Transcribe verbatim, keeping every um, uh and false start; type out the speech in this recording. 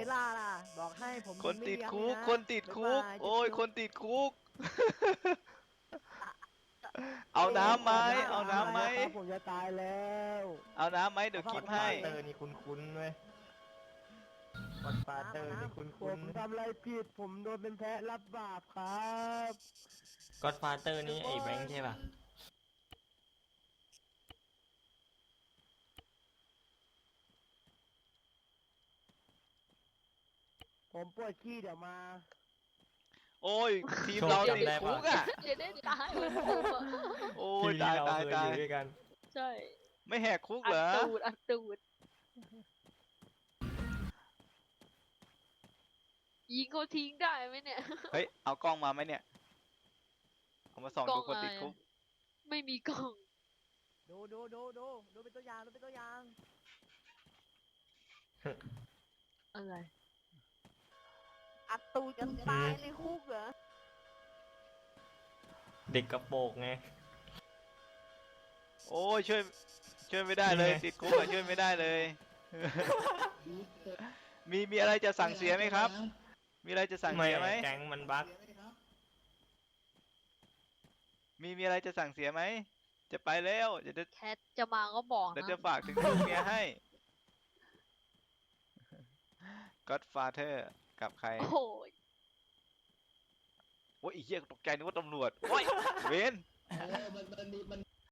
ล่าล่ะบอกให้ผมคนติดคุกไม่คนติดคุก โอ้ยคนติดคุก เอาน้ำไหมเอาน้ำไหมผมจะตายแล้วเอาน้ำไหมเดี๋ยวคิดให้เตอร์นี่คุ้นๆเว้ยกดฟาเตอร์นี่คุ้ผนมทำอะไรผิดผมโดนเป็นแพะรับบาปครับก็อดฟาเตอร์นี่ไอ้แบงค์ใช่ป่ะผมปวดขี้เดี๋ยวมาโอ้ยทีมเราติดคุกอ่ะจะได้ตายเหมือนผมอะโอ้ทียมตายที่เราตายเคยตาอย ยู่ด้วยกันใช่ไม่แหกคุกอัเหรดอตูดอัดตูดยิงเขาทิ้งได้ไหมเนี่ยเฮ้ยเอากล้องมาไหมเนี่ยเอามาส่องกล้ดูองคนติดอะไรคุกไม่มีกล่องดูดูดูดูดูเป็นตัวอย่างดูเป็นตัวอย่างอะไรอัดตูดกันตายในคุกเหรอเด็กกระโปรงไงโอ้ยช่วยช่วยไม่ได้เลยนี่ไงติดคุกอะช่วยไม่ได้เลย มีมีอะไรจะสั่งเสียไหมครับ มีอะไรจะสั่งเสียไหมแก๊งมันบั๊กมีมีอะไรจะสั่งเสียไหมจะไปแล้วเดี๋ยวจะแคทจะมาก็บอกเดี๋ยวนะจะฝากถึงลูกเมียให้ Godfather กับใครโอ้ยโอ้ยไอ้เหี้ยตกใจนึกว่าตำรวจโอ้ยเวนเออมันมันมีมัน